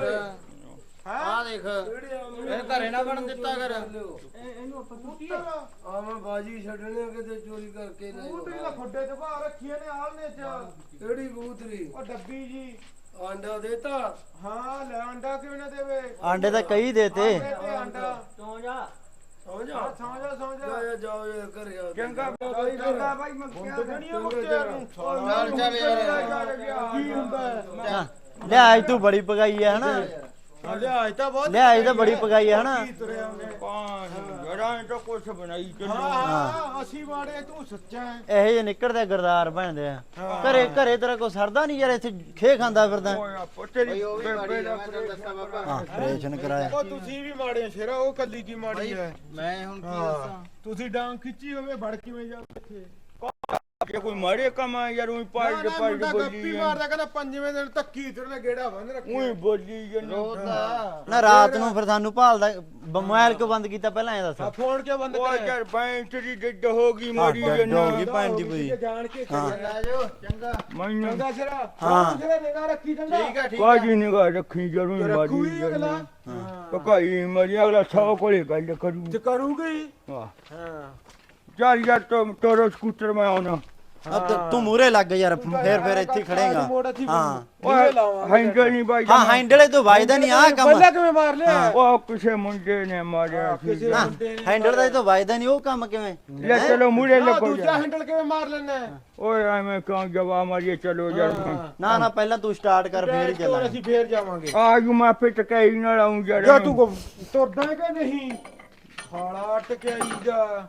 [SPEAKER 4] ਆ ਦੇਖ
[SPEAKER 3] ਇਹ ਘਰੇ ਨਾ ਬਣ ਦਿੱਤਾ ਕਰ
[SPEAKER 6] ਇਹਨੂੰ ਆਪਾਂ ਕੁੱਟੀ
[SPEAKER 5] ਆ ਮੈਂ ਬਾਜੀ ਛੱਡਣੇ ਕਿਤੇ ਚੋਰੀ ਕਰਕੇ ਨਹੀਂ
[SPEAKER 4] ਬੂਤਰੀ ਦਾ ਖੁੱਡੇ ਚ ਬਾਹਰ ਰੱਖੀਆਂ ਨੇ ਆਲਨੇ ਚ
[SPEAKER 5] ਕਿਹੜੀ ਬੂਤਰੀ
[SPEAKER 4] ਉਹ ਡੱਬੀ ਜੀ
[SPEAKER 5] ਆਂਡਾ ਦੇਤਾ
[SPEAKER 4] ਹਾਂ ਲੈ ਅੰਡਾ ਕਿਵੇਂ ਨਾ ਦੇਵੇ
[SPEAKER 3] ਆਂਡੇ ਤਾਂ ਕਈ ਦੇਤੇ
[SPEAKER 4] ਆਂਡੇ ਤੇ ਅੰਡਾ
[SPEAKER 6] ਸੌ ਜਾ
[SPEAKER 5] ਸੌ ਜਾ
[SPEAKER 4] ਸੌਂ ਜਾ
[SPEAKER 5] ਜਾਓ ਯਾਰ ਘਰੇ ਆ
[SPEAKER 2] ਚੰਗਾ ਚੰਗਾ ਭਾਈ ਮੈਂ ਕਿਹਾ
[SPEAKER 4] ਦੁਨੀਆ ਮੁੱਕਿਆ ਨੂੰ
[SPEAKER 5] ਚੱਲ ਯਾਰ
[SPEAKER 4] ਕੀ ਹੁੰਦਾ ਹੈ?
[SPEAKER 3] ਹਾਂ, ਲਿਆਜ ਤੂੰ ਬੜੀ ਪਕਾਈ ਹੈ ਹਨਾ
[SPEAKER 4] ਹਾਂ, ਲਿਆਜ ਤਾਂ ਬਹੁਤ
[SPEAKER 3] ਲਿਆਜ ਤਾਂ ਬੜੀ ਪਕਾਈ ਹੈ ਹਨਾ
[SPEAKER 4] ਕੀ ਤੁਰਿਆ ਉਹਨੇ
[SPEAKER 2] ਜਰਾਂ ਤਾਂ ਕੁਛ ਬਣਾਈ ਚੱਲੋ
[SPEAKER 4] ਹਾਂ ਅਸੀਂ ਮਾੜੇ ਤੂੰ ਸੱਚਾ ਹੈ
[SPEAKER 3] ਇਹੋ ਜਿਹੇ ਨਿਕਲਦੇ ਗਰਦਾਰ ਬਣਦੇ ਆ ਘਰੇ ਘਰੇ ਤੇਰਾ ਕੋਈ ਸਰਦਾ ਨਹੀਂ ਯਾਰ ਇੱਥੇ ਖੇ ਖਾਂਦਾ ਫਿਰਦਾ
[SPEAKER 2] ਓਏ ਆਪੋ ਤੇਰੀ ਬੇਬੇ ਦਾ
[SPEAKER 3] ਹਾਂ ਆਪਰੇਸ਼ਨ ਕਰਾਇਆ
[SPEAKER 4] ਉਹ ਤੁਸੀਂ ਵੀ ਮਾੜੇ ਹੋ ਸ਼ੇਰਾ ਉਹ ਕੱਲੀ ਕੀ ਮਾੜੀ ਹੈ
[SPEAKER 3] ਮੈਂ ਹੁਣ
[SPEAKER 4] ਹਾਂ ਤੁਸੀਂ ਡਾਂਗ ਖਿੱਚੀ ਹੋਵੇ ਵੜ ਕਿਵੇਂ ਜਾ ਇੱਥੇ
[SPEAKER 2] ਜੇ ਕੋਈ ਮਾਰੇ ਕੰਮ ਆ ਯਾਰ ਉਹੀ ਪਾੜ
[SPEAKER 4] ਨਾ
[SPEAKER 2] ਪਾੜ
[SPEAKER 4] ਮੁੰਡਾ
[SPEAKER 2] ਬੋਲੀ
[SPEAKER 4] ਗੱਪੀ ਮਾਰਦਾ ਕਹਿੰਦਾ ਪੰਜਵੇਂ ਦਿਨ ਧੱਕੀ ਤੁਰਨੇ ਗੇੜਾ ਬੰਨ ਰੱਖੀ
[SPEAKER 2] ਉਹੀ ਬੋਲੀ ਜਨੋ
[SPEAKER 3] ਨਾ ਰਾਤ ਨੂੰ ਫਿਰ ਸਾਨੂੰ ਭਾਲਦਾ ਮੋਬਾਈਲ ਕਿਉਂ ਬੰਦ ਕੀਤਾ ਪਹਿਲਾਂ ਇਹ ਦੱਸ
[SPEAKER 4] ਆ ਫੋਨ ਕਿਉਂ ਬੰਦ
[SPEAKER 2] ਉਹ
[SPEAKER 4] ਕਰਿਆ
[SPEAKER 2] ਯਾਰ ਬੈਂਚ ਦੀ ਡੱਡ ਹੋ ਗਈ ਮਾਰੀ
[SPEAKER 3] ਡੱਡ
[SPEAKER 2] ਜਨੋ
[SPEAKER 3] ਹੋ ਗਈ। ਭੈਣ ਦੀ ਪੂਰੀ।
[SPEAKER 4] ਜਾਣ ਕੇ
[SPEAKER 3] ਹਾਂ।
[SPEAKER 4] ਲੈ ਜਾਓ ਚੰਗਾ
[SPEAKER 2] ਮੈਨੂੰ
[SPEAKER 4] ਚੰਗਾ ਸ਼ੇਰਾ
[SPEAKER 3] ਹਾਂ।
[SPEAKER 4] ਸ਼ੇਰਾ ਨਿਗਾਹ ਰੱਖੀ ਚੰਗਾ ਠੀਕ ਹੈ
[SPEAKER 2] ਕਾਜੀ ਨਿਗਾਹ ਰੱਖੀ ਜਰੂਰ
[SPEAKER 4] ਰੱਖੂਗੀ
[SPEAKER 2] ਮਾਰੀ
[SPEAKER 4] ਅਗਲਾ
[SPEAKER 2] ਜਨੋ ਪਕਾਈ ਮਰੀ ਅਗਲਾ 100 ਕੋਲੇ ਗੱਲ ਕਰੂ
[SPEAKER 4] ਤੇ ਕਰੂਗੀ
[SPEAKER 2] ਵਾਹ
[SPEAKER 4] ਹਾਂ
[SPEAKER 2] ਚੱਲ ਯਾਰ ਤੋਰੋ ਸਕੂਟਰ ਮੈਂ ਆਉਣਾ
[SPEAKER 3] ਅਬ ਤੂੰ ਮੂਰੇ ਲੱਗ ਯਾਰ ਫੇਰ ਇੱਥੇ ਖੜੇਗਾ ਹਾਂ
[SPEAKER 2] ਓਏ ਹੈਂਡਲ ਨਹੀਂ ਬਾਈ
[SPEAKER 3] ਹਾਂ ਹੈਂਡਲੇ ਤੋਂ ਵੱਜਦਾ ਨਹੀਂ ਆ ਕੰਮ
[SPEAKER 4] ਪਹਿਲਾਂ ਕਿਵੇਂ ਮਾਰ ਲਿਆ
[SPEAKER 2] ਉਹ ਕਿਸੇ ਮੁੰਡੇ ਨੇ ਮਾਰਿਆ ਸੀ
[SPEAKER 4] ਕਿਸੇ ਮੁੰਡੇ ਨੇ
[SPEAKER 3] ਹੈਂਡਲ ਦਾ ਤੋਂ ਵੱਜਦਾ ਨਹੀਂ ਉਹ ਕੰਮ ਕਿਵੇਂ
[SPEAKER 2] ਲੈ ਚਲੋ ਮੂਰੇ
[SPEAKER 4] ਆਹ
[SPEAKER 2] ਲੱਗੋ
[SPEAKER 4] ਦੂਜਾ ਹੈਂਡਲ ਕਿਵੇਂ ਮਾਰ ਲੈਣਾ
[SPEAKER 2] ਓਏ ਐਵੇਂ ਕਿਉਂ ਜਵਾ ਮਾਰੀਏ ਚਲੋ ਯਾਰ
[SPEAKER 3] ਨਾ ਨਾ ਪਹਿਲਾਂ ਤੂੰ ਸਟਾਰਟ ਕਰ ਫੇਰ ਹੀ ਚੱਲਾਂਗੇ
[SPEAKER 4] ਅਸੀਂ ਫੇਰ ਜਾਵਾਂਗੇ
[SPEAKER 2] ਆਜੂ ਮੈਂ ਆਪੇ ਟਕਾਈ ਨਾਲ ਆਉਂ
[SPEAKER 4] ਜਾ
[SPEAKER 2] ਯਾਰ
[SPEAKER 4] ਤੂੰ ਤੁਰਦਾ ਹੈ ਕਿ ਨਹੀਂ ਹਾਲਾ ਟਕਿਆਈ ਜਾ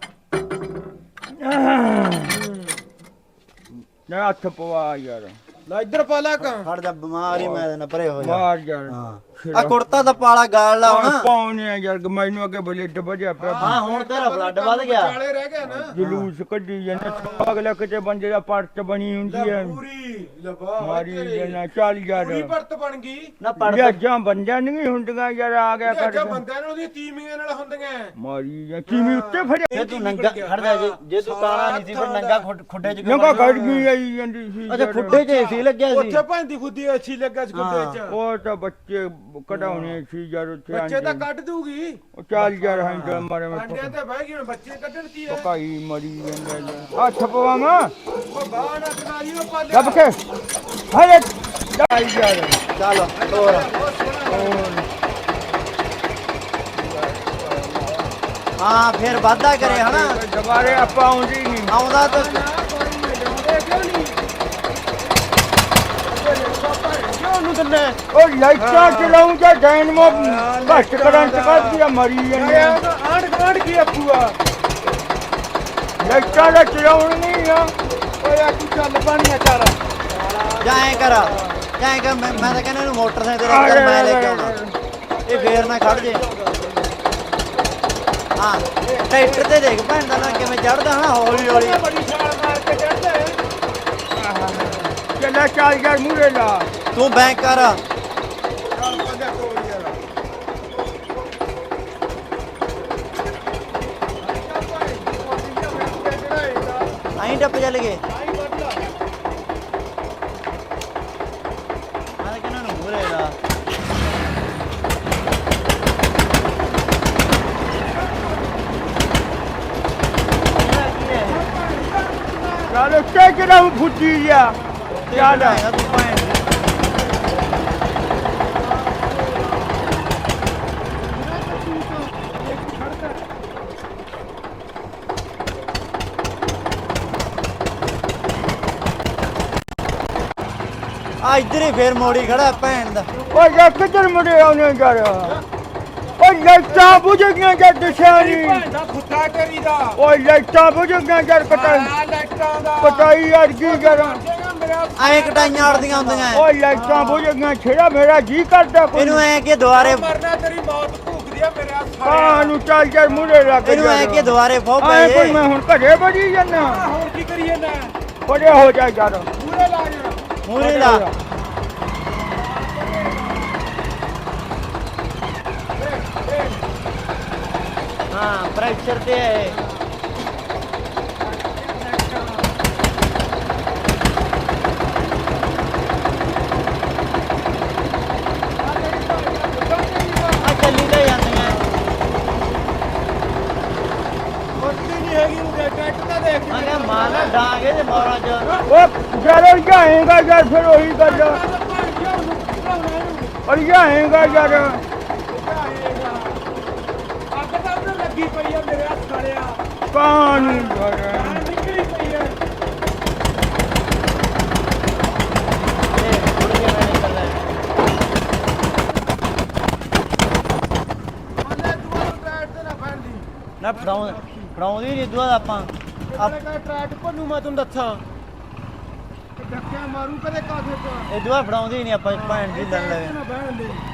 [SPEAKER 2] ਨਾ ਹੱਥ ਪਵਾ ਯਾਰ
[SPEAKER 4] ਲੈ ਇੱਧਰ ਪਾ ਲੈ ਕਾਂ
[SPEAKER 3] ਖੜ ਜਾ ਬਿਮਾਰੀ ਮੈਂ ਨਾ ਪਰੇ ਹੋ ਜਾ
[SPEAKER 2] ਮਾਰ ਯਾਰ
[SPEAKER 3] ਹਾਂ ਆ ਕੁੜਤਾ ਤਾਂ ਪਾਲਾ ਗਾਲ ਲਾ ਹੁਣ
[SPEAKER 2] ਪਾਉਣੇ ਆ ਯਾਰ ਮੈਨੂੰ ਅੱਗੇ ਬਲੱਡ ਵਜਿਆ ਪਿਆ
[SPEAKER 3] ਹਾਂ ਹੁਣ ਤੇਰਾ ਬਲੱਡ ਵੱਧ ਗਿਆ
[SPEAKER 4] ਕਾਲੇ ਰਹਿ ਗਿਆ ਨਾ
[SPEAKER 2] ਜਲੂਸ ਕੱਢੀ ਜਾਂਦਾ ਅਗਲਾ ਕਿਤੇ ਬੰਦੇ ਦਾ ਪਰਤ ਬਣੀ ਹੁੰਦੀ ਹੈ
[SPEAKER 4] ਪੂਰੀ ਲਬਾ
[SPEAKER 2] ਮਾਰੀ ਜਨਾ ਚੱਲ ਯਾਰ
[SPEAKER 4] ਪੂਰੀ ਪਰਤ ਬਣ ਗਈ
[SPEAKER 3] ਨਾ ਪੜ
[SPEAKER 2] ਜਾਂ ਬੰਦਿਆਂ ਨਹੀਂ ਹੁੰਦੀਆਂ ਯਾਰ ਆ ਗਿਆ
[SPEAKER 4] ਅੱਛਾ
[SPEAKER 2] ਕਰ
[SPEAKER 4] ਬੰਦਿਆਂ ਨੂੰ ਉਹਦੀ ਤੀਮੀਆਂ ਨਾਲ ਹੁੰਦੀਆਂ
[SPEAKER 2] ਮਾਰੀ ਜਾਂ ਕਿਵੇਂ ਉੱਤੇ ਫੜਿਆ
[SPEAKER 3] ਜੇ ਤੂੰ ਨੰਗਾ ਖੜ ਜਾ ਜੇ ਤੂੰ ਕਾਲਾ ਨਹੀਂ ਸੀ ਫਿਰ ਨੰਗਾ ਖੁੱਡੇ ਚ ਕਿਉਂ
[SPEAKER 2] ਨੰਗਾ
[SPEAKER 3] ਵੜਿਆ?
[SPEAKER 2] ਕੱਢ ਗਈ ਆਈ ਜਾਂਦੀ ਸੀ
[SPEAKER 3] ਅੱਛਾ
[SPEAKER 2] ਯਾਰ।
[SPEAKER 3] ਖੁੱਡੇ ਚ ਏਸੀ ਲੱਗਿਆ ਸੀ
[SPEAKER 4] ਉੱਥੇ ਭੈਂਦੀ ਖੁੱਦੀ ਅੱਛੀ ਲੱਗਾ ਸੀ ਖੁੱਡੇ ਚ
[SPEAKER 2] ਉਹ ਤਾਂ ਬੱਚੇ ਕਢਾਉਣੇ ਸੀ ਯਾਰ ਉੱਥੇ
[SPEAKER 4] ਬੱਚੇ ਤਾਂ
[SPEAKER 2] ਆਂਡੇ।
[SPEAKER 4] ਕੱਢ ਦੂਗੀ
[SPEAKER 2] ਉਹ ਚੱਲ ਯਾਰ ਹੈਂਡਲ ਮਾਰੇ ਮੈਂ
[SPEAKER 4] ਅੰਡੇ ਤੇ ਬਹਿ ਗਈ ਹੁਣ ਬੱਚੇ ਕੱਢਣ ਕੀ ਹੈ
[SPEAKER 2] ਪਕਾਈ ਮਰੀ ਜਾਂਦਾ ਯਾਰ ਹੱਥ ਪਵਾਵਾਂ
[SPEAKER 4] ਉਹ ਬਾਹਰ ਨਾ ਕਰਾਈ ਉਹ ਪਾਲੇ
[SPEAKER 2] ਲੱਭ ਕੇ ਹਰੇ ਚੱਲ ਯਾਰ
[SPEAKER 3] ਚੱਲ ਹੋਰ ਹਾਂ ਫਿਰ ਵਾਧਾ ਕਰੇ ਹਨਾ
[SPEAKER 2] ਦੁਬਾਰੇ ਆਪਾਂ ਆਉਂਦੀ ਨਹੀਂ
[SPEAKER 3] ਆਉਂਦਾ ਤਾਂ
[SPEAKER 4] ਉਹਨੂੰ ਦਿੰਨੇ
[SPEAKER 2] ਉਹ ਲਾਈਟਾਂ ਚਲਾਉਂ ਜਾਂ ਡਾਇਨਮੋ ਘੱਟ ਕਰੰਟ ਕੱਢਦੀ ਆ ਮਰੀ ਜਾਂਦੀ ਆ।
[SPEAKER 4] ਆਂਡ ਗਾਂਡ ਕੀ ਆਪੂਆ
[SPEAKER 2] ਲੱਟਾਂ ਦਾ ਚਲਾਉਣ ਨਹੀਂ ਆ ਓਏ ਤੂੰ ਚੱਲ ਪਾਣੀਆਂ ਚੱਲ
[SPEAKER 3] ਜਾਂ ਐ ਕਰ ਮੈਂ ਤਾਂ ਕਹਿੰਦਾ ਇਹਨੂੰ ਮੋਟਰਸਾਈਕਲ ਤੇ ਰੱਖ ਮੈਂ ਲੈ ਕੇ ਆਉਣਾ ਇਹ ਫੇਰ ਨਾ ਖੜ ਜੇ ਹਾਂ ਟਰੈਕਟਰ ਤੇ ਦੇਖ ਭੈਣ ਦਾ ਨਾ ਕਿਵੇਂ ਚੜਦਾ ਹਨਾ ਹੌਲੀ ਹੌਲੀ
[SPEAKER 2] ਬੜੀ ਛਾਲ ਮਾਰ ਕੇ ਚੜਦੇ ਚੱਲ ਚੱਲ ਯਾਰ ਮੂਰੇ ਲਾ
[SPEAKER 3] ਤੂੰ ਬੈਂਕ ਕਰ
[SPEAKER 2] ਚੱਲ ਪੱਜਾ ਤੋੜ ਯਾਰ
[SPEAKER 3] ਆਈ ਟੱਪ ਚੱਲ ਗਏ ਮੈਂ ਤਾਂ ਕਹਿੰਦਾ ਨੂੰ ਮੂਰੇ ਲਾ
[SPEAKER 2] ਚੱਲ ਉੱਤੇ ਕਿਹੜਾ ਫੁੱਟੀ ਜਾ ਚੱਲ
[SPEAKER 3] ਤੂੰ ਭੈਣ ਦੀ। ਆ ਇੱਧਰ ਹੀ ਫੇਰ ਮੋੜੀ ਖੜਾ ਭੈਣ ਦਾ
[SPEAKER 2] ਓਏ ਯਾਰ ਕਿੱਧਰ ਮੁੜੇ ਆਉਣੇ ਕਰ ਓਏ ਲਾਈਟਾਂ ਬੁਝ ਗਈਆਂ ਜਦ ਦਿਸ਼ਾਰੀ
[SPEAKER 4] ਦਾ ਖੁੱਟਾ ਕਰੀਦਾ
[SPEAKER 2] ਓਏ ਲਾਈਟਾਂ ਬੁਝ ਗਈਆਂ ਜਦ ਕਟਾਈ
[SPEAKER 4] ਲਾਈਟਾਂ ਦਾ
[SPEAKER 2] ਕਟਾਈ ਯਾਰ ਕੀ ਕਰਾਂ
[SPEAKER 4] ਮੇਰਾ
[SPEAKER 3] ਐਂ ਕਟਾਈਆਂ ਅੜਦੀਆਂ ਹੁੰਦੀਆਂ ਐ।
[SPEAKER 2] ਓਏ ਲਾਈਟਾਂ ਬੁਝ ਗਈਆਂ ਛੇੜਾ ਮੇਰਾ ਜੀ ਕਰਦਾ ਕੋਈ
[SPEAKER 3] ਇਹਨੂੰ ਐ ਕਿ ਦੁਆਰੇ
[SPEAKER 4] ਮਰਨਾ ਤੇਰੀ ਮੌਤ ਭੂਖਦੀ ਆ ਮੇਰੇ ਹੱਥ
[SPEAKER 2] ਕਾਹ ਨੂੰ ਚੱਲ ਯਾਰ ਮੁੜੇ ਲੱਗ
[SPEAKER 3] ਇਹਨੂੰ ਐ ਕਿ ਦੁਆਰੇ ਫੋ
[SPEAKER 2] ਆਏ ਕੋਈ
[SPEAKER 3] ਪਏ
[SPEAKER 2] ਮੈਂ ਹੁਣ ਘਰੇ ਬੜੀ ਜਾਨਾ
[SPEAKER 4] ਹੋਰ ਕੀ ਕਰੀਏ ਨਾ
[SPEAKER 2] ਬੜੇ ਹੋ ਜਾ ਯਾਰ
[SPEAKER 4] ਪੂਰੇ ਲਾ ਜਰਾ
[SPEAKER 3] ਮੂਰੇ ਲਾ ਹਾਂ ਪ੍ਰੈਸ਼ਰ ਤੇ ਹੈ ਆ ਚੱਲੀ ਤਾਂ ਜਾਂਦੀਆਂ
[SPEAKER 4] ਮੱਤੀ ਨਹੀਂ ਹੈਗੀ ਉਹ ਟਰੈਕਟਰ ਤਾਂ ਦੇਖ
[SPEAKER 3] ਮੈਂ ਕਿਹਾ ਮਾਲਾ ਡਾਂਗੇ ਤੇ ਮੋਰਾਂ ਚ
[SPEAKER 2] ਓ ਯਾਰ ਜਾਏਗਾ ਯਾਰ ਫਿਰ ਉਹੀ ਗੱਲ ਅਰ ਜਾਏਗਾ ਯਾਰ
[SPEAKER 4] ਅੱਗ ਤਾਂ ਉੱਧਰ ਲੱਗੀ ਪਈ ਆ ਮੇਰੇ ਹੱਥ ਸਾਲਿਆ
[SPEAKER 2] ਕਾਹ ਨੂੰ ਯਾਰ
[SPEAKER 4] ਨਿਕਲੀ ਪਈ ਆ
[SPEAKER 3] ਇਹ ਥੋੜੀ ਜਿਹੀ ਮੈਂ ਨਿਕਲਦਾ
[SPEAKER 4] ਮੰਨੇ ਤੂੰ ਟਰੈਕਟਰ ਤੇ ਨਾ ਫੜਦੀ
[SPEAKER 3] ਨਾ ਫੜਾਉਂਦੀ ਨਹੀਂ ਦੁਆ ਆਪਾਂ
[SPEAKER 4] ਆਪਣੇ ਕਾ ਟਰੈਕਟਰ ਭੰਨੂ ਮੈਂ ਤੈਨੂੰ ਦੱਸਾਂ ਧੱਕਿਆ ਮਾਰੂ ਕਦੇ ਕਾਸੇ ਤੋਂ
[SPEAKER 3] ਇਹ ਦੁਆ ਫੜਾਉਂਦੀ ਨਹੀਂ ਆਪਾਂ ਭੈਣ ਦੀ ਲੜ ਲਵੇ
[SPEAKER 4] ਨਾ ਬਹਿਣ ਦੇ